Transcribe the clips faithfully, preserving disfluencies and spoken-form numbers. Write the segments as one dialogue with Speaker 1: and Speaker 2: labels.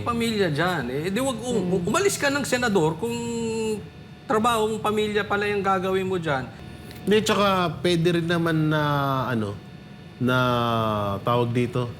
Speaker 1: pamilya dyan. Eh, di wag, um, umalis ka ng senador kung trabahong pamilya pala yung gagawin mo dyan.
Speaker 2: Hindi, tsaka pwede rin naman na, ano, na tawag dito,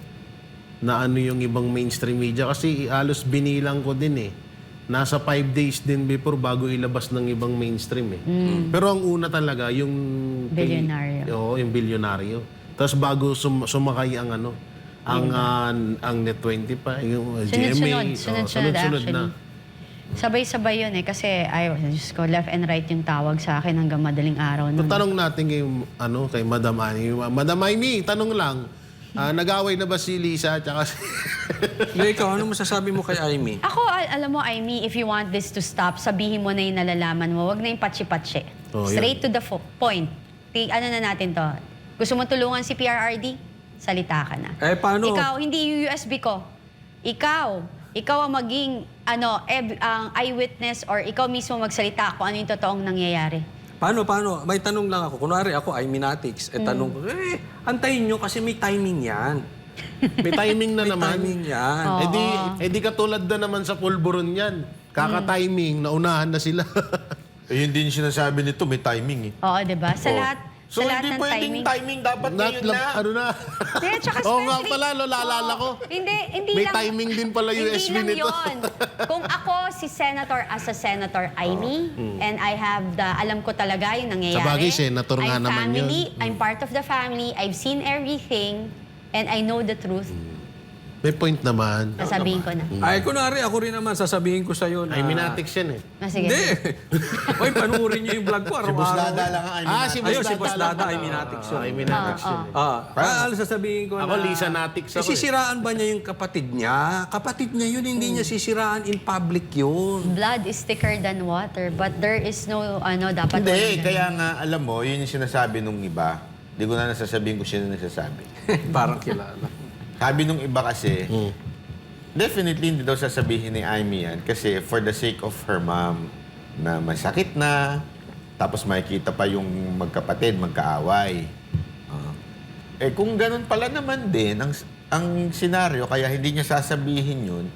Speaker 2: na ano yung ibang mainstream media. Kasi halos binilang ko din eh. Nasa five days din before bago ilabas ng ibang mainstream eh. Pero ang una talaga, yung...
Speaker 3: Bilyonaryo.
Speaker 2: Oo, yung bilyonaryo. Tapos bago sum sumakay ang ano, ang, uh, ang Net twenty pa, yung G M A.
Speaker 3: Sunod-sunod. Sunod-sunod
Speaker 2: Sunod-sunod na.
Speaker 3: actually. Sabay-sabay yun eh. Kasi, ay, Diyos ko, left and right yung tawag sa akin hanggang madaling araw.
Speaker 2: So,
Speaker 3: Nun.
Speaker 2: tanong natin kay, ano, kay Madam Amy. Madam Amy, tanong lang. Ah, nag-away na ba si Lisa at saka si...
Speaker 1: Eh, ikaw, ano masasabi mo kay Amy?
Speaker 3: Ako, al- alam mo, Amy, if you want this to stop, sabihin mo na yung nalalaman mo. Huwag na yung patsi-patsi.
Speaker 2: Oh,
Speaker 3: Straight to the fo- point. T- ano na natin to? Gusto mo tulungan si P R R D? Salita ka na.
Speaker 1: Eh, paano?
Speaker 3: Ikaw, hindi yung U S B ko. Ikaw, ikaw ang maging ano, ev- ang eyewitness or ikaw mismo magsalita kung ano yung totoong nangyayari.
Speaker 1: Paano, paano? May tanong lang ako. Kunwari ako, Amy Natix. Eh, tanong ko, eh, antayin nyo kasi may timing yan.
Speaker 2: May timing na
Speaker 1: May
Speaker 2: naman.
Speaker 1: timing yan.
Speaker 3: Oo.
Speaker 2: Eh di, eh di katulad na naman sa pulburon yan. Kaka-timing, naunahan na sila.
Speaker 4: Eh, yun din yung sinasabi nito, may timing eh.
Speaker 3: Oo, di ba? Sa
Speaker 4: Oh.
Speaker 3: lahat,
Speaker 4: So,
Speaker 3: sa lahat
Speaker 4: hindi
Speaker 3: ng
Speaker 4: pwedeng
Speaker 3: timing.
Speaker 4: timing, dapat
Speaker 2: Not
Speaker 4: ngayon
Speaker 2: lang,
Speaker 4: na.
Speaker 2: ano na.
Speaker 3: Yeah, tsaka
Speaker 2: Oo nga
Speaker 3: especially-
Speaker 2: pala, no, naalala ko.
Speaker 3: Hindi, hindi
Speaker 2: May
Speaker 3: lang.
Speaker 2: timing din pala U S B
Speaker 3: hindi lang
Speaker 2: nito.
Speaker 3: yun. Kung ako si Senator as a Senator Amy, and I have the, alam ko talaga yung nangyayari.
Speaker 2: Sa bagay, Senator nga
Speaker 3: I'm
Speaker 2: naman
Speaker 3: family,
Speaker 2: yun.
Speaker 3: I'm part of the family, I've seen everything, and I know the truth.
Speaker 2: May point naman.
Speaker 3: Sasabihin ko na.
Speaker 1: Ay, kunwari, ako rin naman, sasabihin ko sa'yo na...
Speaker 2: Ay, minatics yan eh.
Speaker 3: Ah, sige.
Speaker 1: Hindi. Oy, panuorin niyo yung vlog ko.
Speaker 4: Si Boss
Speaker 1: araw-araw.
Speaker 4: Dada lang ang I mean,
Speaker 2: Ah, si Boss
Speaker 1: Ayun, si Boss
Speaker 2: Dada.
Speaker 1: Dada, ay minatics yun.
Speaker 2: Ay, minatics yun eh.
Speaker 1: Ah, ah, ano sasabihin ko
Speaker 2: Ako,
Speaker 1: na...
Speaker 2: Lisa Natix ako eh.
Speaker 1: Sisiraan ba niya yung kapatid niya? Kapatid niya yun, hindi niya sisiraan in public yun.
Speaker 3: Blood is thicker than water, but there is no, ano, dapat...
Speaker 4: Hindi,
Speaker 3: walang-
Speaker 4: kaya nga, alam mo, yun yung sinasabi nung iba. Hindi ko na nasasabihin kung sino nagsasabi.
Speaker 1: Parang kilala.
Speaker 4: Sabi nung iba kasi, definitely hindi daw sasabihin ni Amy yan kasi for the sake of her mom na masakit na, tapos makikita pa yung magkapatid, magkaaway. Ah. eh kung ganun pala naman din, ang, ang senaryo, kaya hindi niya sasabihin yun,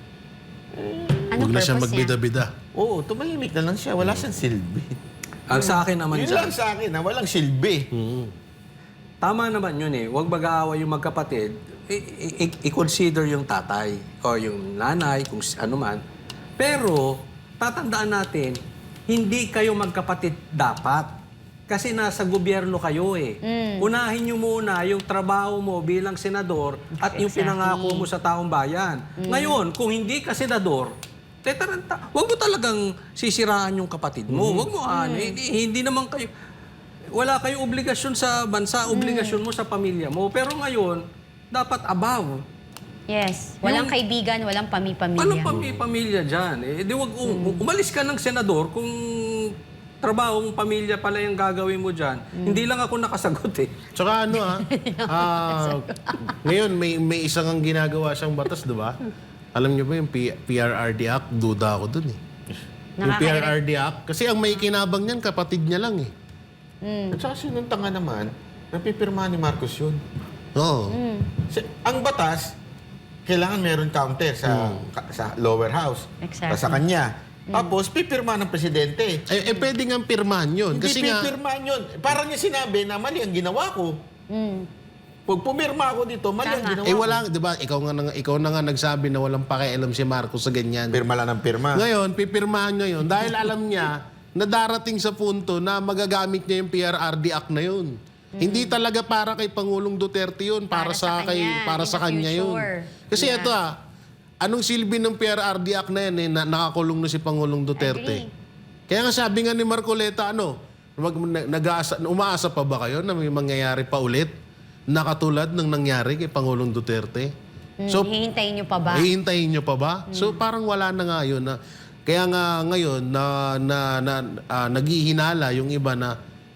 Speaker 3: Anong
Speaker 2: Huwag na siya
Speaker 3: purpose niya?
Speaker 2: magbida-bida.
Speaker 4: oo, tumahimik na lang siya, wala siyang silbi.
Speaker 1: Ang sa akin naman
Speaker 4: Yun
Speaker 1: dyan,
Speaker 4: lang sa akin, na walang silbi.
Speaker 1: tama naman yun eh. Huwag mag-aaway yung magkapatid. I- i- I-consider yung tatay o yung nanay, kung s- ano man. Pero, tatandaan natin, hindi kayo magkapatid dapat. Kasi nasa gobyerno kayo eh. Unahin nyo muna yung trabaho mo bilang senador at yung
Speaker 3: Exactly.
Speaker 1: pinangako mo sa taong bayan. Ngayon, kung hindi ka senador, tetaranta, huwag mo talagang sisiraan yung kapatid mo. Huwag mo ano, hindi, hindi naman kayo, wala kayong obligasyon sa bansa, obligasyon mo sa pamilya mo. Pero ngayon, dapat above.
Speaker 3: Yes. Walang
Speaker 1: Yung-
Speaker 3: kaibigan, walang pami-pamilya.
Speaker 1: Anong pami pamilya dyan? Eh, di wag, um, umalis ka ng senador kung trabahong pamilya pala yung gagawin mo dyan. Hindi lang ako nakasagot eh.
Speaker 2: Tsaka ano ah, ah, ngayon may, may isang ang ginagawa siyang batas, di ba? Alam niyo ba yung P- PRRD Act? Duda ako dun eh. Yung
Speaker 3: Nakaka-
Speaker 2: PRRD Act, kasi ang may kinabang niyan, kapatid niya lang eh.
Speaker 4: At saka sinong tanga naman, napipirma ni Marcos yun.
Speaker 2: Oo.
Speaker 4: Si- ang batas, kailangan meron counter sa ka- sa lower house.
Speaker 3: Exactly.
Speaker 4: Sa kanya. Tapos, pipirma ng presidente.
Speaker 2: Eh, eh, pwede nga pirmahan yun.
Speaker 4: Hindi
Speaker 2: Kasi nga,
Speaker 4: pipirmahan yun. Parang niya sinabi na mali ang ginawa ko.
Speaker 3: Mm.
Speaker 4: Pag pumirma ako dito, mali ang
Speaker 3: Tama.
Speaker 4: ginawa
Speaker 2: eh
Speaker 4: ko.
Speaker 2: wala, di ba, ikaw, nga, na- ikaw na nga nagsabi na walang pakialam si Marcos sa ganyan.
Speaker 4: Pirma lang ng pirma.
Speaker 2: Ngayon, pipirmahan niya yun dahil alam niya na darating sa punto na magagamit niya yung P R R D Act na yun. Hindi talaga para kay Pangulong Duterte yun, para,
Speaker 3: Para
Speaker 2: sa,
Speaker 3: sa
Speaker 2: kay
Speaker 3: kanya,
Speaker 2: para
Speaker 3: in
Speaker 2: sa
Speaker 3: the
Speaker 2: kanya yun.
Speaker 3: future.
Speaker 2: Kasi
Speaker 3: Yeah.
Speaker 2: ito ah, anong silbi ng P R R D Act na yan eh, na nakakulong na si Pangulong Duterte.
Speaker 3: Agree.
Speaker 2: Kaya nga sabi nga ni Marcoleta, ano, mag, nag-aasa, umaasa pa ba kayo na may mangyayari pa ulit na katulad ng nangyari kay Pangulong Duterte?
Speaker 3: So, hihintayin niyo pa ba?
Speaker 2: Hihintayin nyo pa ba? So parang wala na nga yun. Na, kaya nga ngayon na, na, na ah, naghihinala yung iba na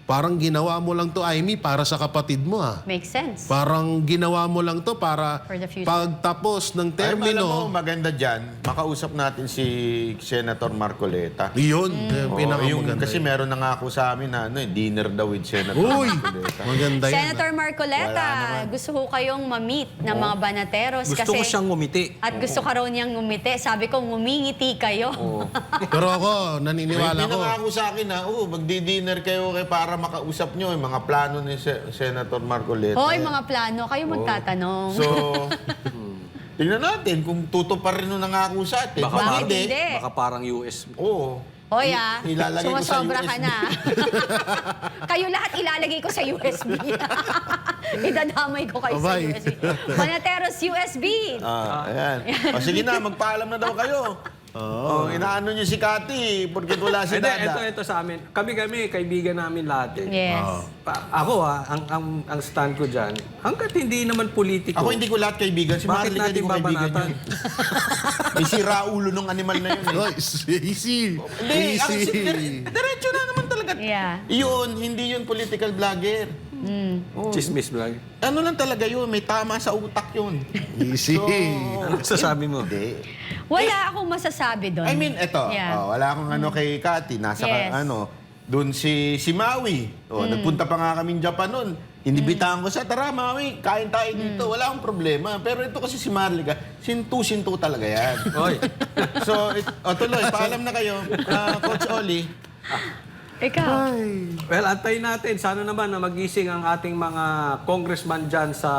Speaker 2: parang ginawa mo lang to, Amy, para sa kapatid mo ah.
Speaker 3: Makes sense.
Speaker 2: Parang ginawa mo lang to para
Speaker 3: For the future.
Speaker 2: pagtapos ng
Speaker 4: Ay, alam mo,
Speaker 2: termino,
Speaker 4: maganda dyan, makausap natin si Senator Marcoleta.
Speaker 2: yun,
Speaker 4: Oo,
Speaker 2: yung
Speaker 4: yung,
Speaker 2: pinakamaganda.
Speaker 4: kasi meron na nga ako sa amin na ano, eh, dinner daw with Senator
Speaker 2: Uy,
Speaker 4: Marcoleta.
Speaker 2: maganda yun.
Speaker 3: Senator Marcoleta,
Speaker 4: Wala naman.
Speaker 3: gusto ko kayong ma-meet ng mga banateros
Speaker 1: Gusto
Speaker 3: kasi
Speaker 1: ko siyang ngumiti.
Speaker 3: at gusto ka raw niyang ngumiti. Sabi ko, ngumingiti kayo.
Speaker 2: Pero ako, naniniwala
Speaker 4: May
Speaker 2: ko.
Speaker 4: pinangako sa akin na, oh, magdi-dinner kayo kay para makausap nyo yung mga plano ni Se- Senator Marcoleta.
Speaker 3: Hoy, mga plano, kayo magtatanong.
Speaker 4: So, tingnan natin kung tutupad rin nung nangako sa atin.
Speaker 1: Baka,
Speaker 3: Bakit
Speaker 1: parang,
Speaker 3: hindi?
Speaker 1: baka parang U S.
Speaker 4: Oo.
Speaker 3: Hoy ah,
Speaker 4: Ilalagay ko sa
Speaker 3: sumasobra
Speaker 4: U S B.
Speaker 3: ka na. Kayo lahat ilalagay ko sa U S B. Idadamay ko kayo sa
Speaker 2: Abay.
Speaker 3: U S B. Banateros U S B.
Speaker 4: Ah, ayan. O sige na, magpaalam na daw kayo. Oo. Oh, inaano nyo si Cathy porque wala si
Speaker 1: Hindi,
Speaker 4: Dada.
Speaker 1: ito, ito sa amin. Kami-kami, kaibigan namin lahat eh.
Speaker 3: Yes.
Speaker 1: Pa- ako ah, ang, ang, ang stand ko dyan, hanggat hindi naman politiko.
Speaker 4: Ako hindi ko lahat kaibigan. Si
Speaker 1: Bakit
Speaker 4: Marley hindi
Speaker 1: natin
Speaker 4: ko kaibigan
Speaker 1: babanatan?
Speaker 4: yun. May sira ulo nung animal na yun. Eh.
Speaker 2: Oy, easy.
Speaker 4: Hindi, ako si
Speaker 2: Easy.
Speaker 4: dire- diretso na naman talaga.
Speaker 3: Yeah.
Speaker 4: Yun, hindi yun political vlogger. Oh,
Speaker 1: Chismis vlog.
Speaker 4: ano lang talaga yun, may tama sa utak yun.
Speaker 2: Easy.
Speaker 1: Ano sasabi mo?
Speaker 4: Hindi.
Speaker 3: Wala akong masasabi doon.
Speaker 4: I mean, eto,
Speaker 3: Yeah.
Speaker 4: oh, wala akong ano kay Cathy, nasa ka-
Speaker 3: Yes.
Speaker 4: ano, doon si si Maui. Oh, nagpunta pa nga kami Japan noon. Inibitahan ko siya, tara Maui, kain tayo dito. Wala akong problema. Pero ito kasi si Marlica, sintu-sintu talaga yan.
Speaker 1: Oy.
Speaker 4: So, it, oh, tuloy, paalam na kayo. Ah, Coach Oli.
Speaker 3: Ikaw.
Speaker 1: Well, antayin natin. Sana naman na magising ang ating mga congressman dyan sa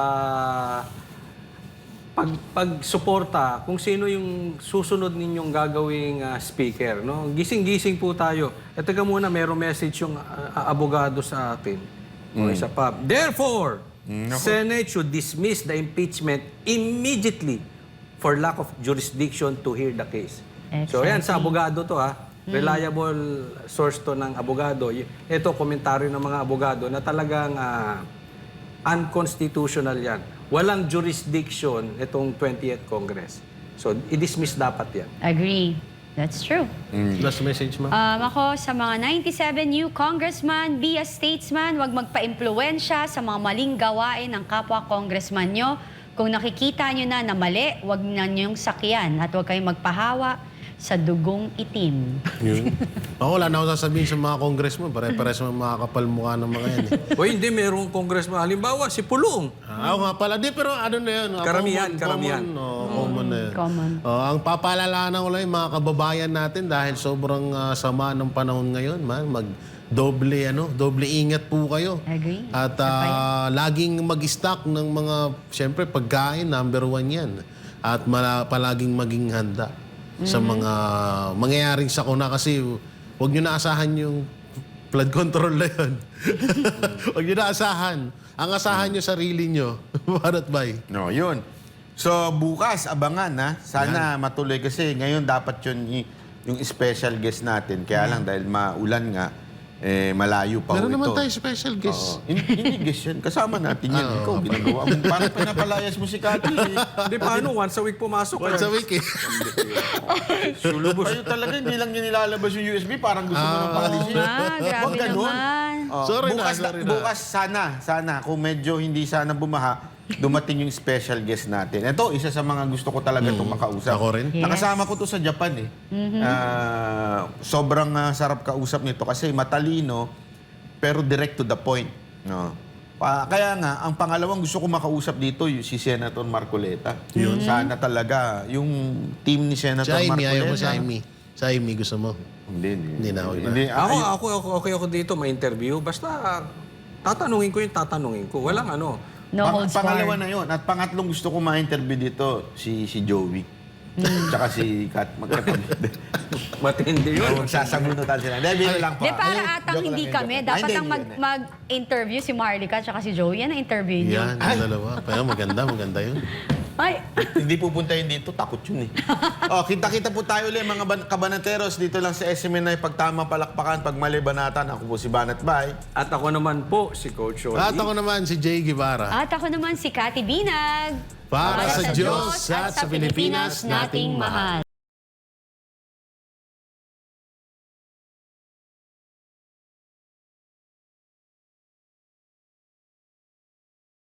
Speaker 1: pag pagsuporta kung sino yung susunod ninyong gagawing ah, speaker. No? Gising-gising po tayo. E teka muna, mayroong message yung ah, abogado sa atin. O isa pa. Therefore, Senate should dismiss the impeachment immediately for lack of jurisdiction to hear the case. So yan, sa abogado to ha. Reliable source to ng abogado. Y- Ito, komentaryo ng mga abogado na talagang ah, unconstitutional yan. Walang jurisdiction itong twentieth Congress. So, i-dismiss dapat yan.
Speaker 3: Agree. That's true.
Speaker 2: Last message, ma'am.
Speaker 3: Um, ako sa mga ninety-seven new congressman, be a statesman, huwag magpa-impluensya sa mga maling gawain ng kapwa congressman nyo. Kung nakikita nyo na na mali, huwag na nyong sakyan at huwag kayong magpahawa sa dugong itim.
Speaker 2: Yun. Ako, wala na ako sasabihin sa mga congressman. Pare-pares mga makakapal mukha ng mga yan. Eh.
Speaker 1: O hindi, mayroong congressman. Halimbawa, si Pulong.
Speaker 2: Ah, ako nga pala. Di, pero ano na yun? ah,
Speaker 1: Karamihan,
Speaker 2: common,
Speaker 1: karamihan.
Speaker 2: Common, oh, common na yun.
Speaker 3: Common.
Speaker 2: Oh, ang papaalalahanan ko lang yung mga kababayan natin dahil sobrang ah, sama ng panahon ngayon, man. Mag doble ano, doble ingat po kayo.
Speaker 3: Agree.
Speaker 2: At ah, laging mag-stock ng mga siyempre pagkain, number one 'yan. At mala, palaging maging handa sa mga mangyayaring sakuna kasi huwag niyo na asahan yung flood control na 'yon. Huwag niyo na asahan. Ang asahan niyo sarili niyo. Barat bay.
Speaker 4: No, yun. So, bukas, abangan ha. Sana matuloy kasi ngayon dapat yun y- yung special guest natin. Kaya lang dahil maulan nga, eh, malayo pa ho
Speaker 2: Meron naman
Speaker 4: ito.
Speaker 2: tayo special guest.
Speaker 4: Oo. Hindi, hindi guest yan. Kasama natin yan. Ikaw, ginagawa mo. Parang pinapalayas mo si Cathy. eh.
Speaker 1: Hindi, paano? Once a week pumasok.
Speaker 2: Once a week eh.
Speaker 4: Sulubos. Kayo talaga, hindi lang yun nilalabas yung U S B. Parang gusto mo nang pakalisin.
Speaker 3: Ah, grabe
Speaker 4: Huwag ganun.
Speaker 3: naman.
Speaker 4: Oh,
Speaker 2: Sorry na,
Speaker 4: bukas,
Speaker 2: sorry na.
Speaker 4: bukas sana, sana, kung medyo hindi sana bumaha, dumating yung special guest natin. Ito, isa sa mga gusto ko talaga itong makausap.
Speaker 2: Ako rin.
Speaker 3: Yes.
Speaker 4: Nakasama ko to sa Japan eh. Ah, sobrang ah, sarap kausap nito kasi matalino, pero direct to the point. No? Pa, kaya nga, ang pangalawang gusto ko makausap dito, yung si Senator Marcoleta. Yun. Sana talaga, yung team ni
Speaker 2: Si
Speaker 4: Senator
Speaker 2: Amy,
Speaker 4: Marcoleta.
Speaker 2: ayaw mo si Amy. Si Amy gusto mo.
Speaker 4: Hindi, hindi.
Speaker 2: Hindi na, okay na.
Speaker 4: Hindi,
Speaker 1: Ako,
Speaker 4: ay-
Speaker 1: ako, ako, okay ako dito, may interview. Basta, tatanungin ko yung tatanungin ko. Walang ano.
Speaker 3: No
Speaker 4: Pang-
Speaker 3: holds
Speaker 4: pangalawa
Speaker 3: barred.
Speaker 4: na yun. At pangatlong gusto ko ma-interview dito, si si Joey. Tsaka si Kat. Magkakapit.
Speaker 1: Matindi yun.
Speaker 4: Magsasabunutan sila. Hindi, biro lang pa.
Speaker 3: Di para
Speaker 4: Ayun,
Speaker 3: atang
Speaker 4: joke
Speaker 3: hindi
Speaker 4: lang,
Speaker 3: kami.
Speaker 4: joke lang.
Speaker 3: Dapat
Speaker 4: Ay,
Speaker 3: ang
Speaker 4: hindi,
Speaker 3: mag,
Speaker 4: hindi.
Speaker 3: mag-interview si Marlica at si Joey. Yan ang interview niyo.
Speaker 2: Yan, yung dalawa. Pero maganda, maganda yun.
Speaker 3: Ay,
Speaker 4: Hindi pupuntahin dito, takot yun eh. oh, kita-kita po tayo ulit mga ban- kabanateros dito lang sa S M N I. Pag tama palakpakan, pag mali banatan. Ako po si Banat Bay.
Speaker 1: At ako naman po, si Coach Oli.
Speaker 2: At ako naman si Jay Guevara.
Speaker 3: at ako naman si Cathy Binag.
Speaker 2: Para sa Diyos at sa Pilipinas nating mahal.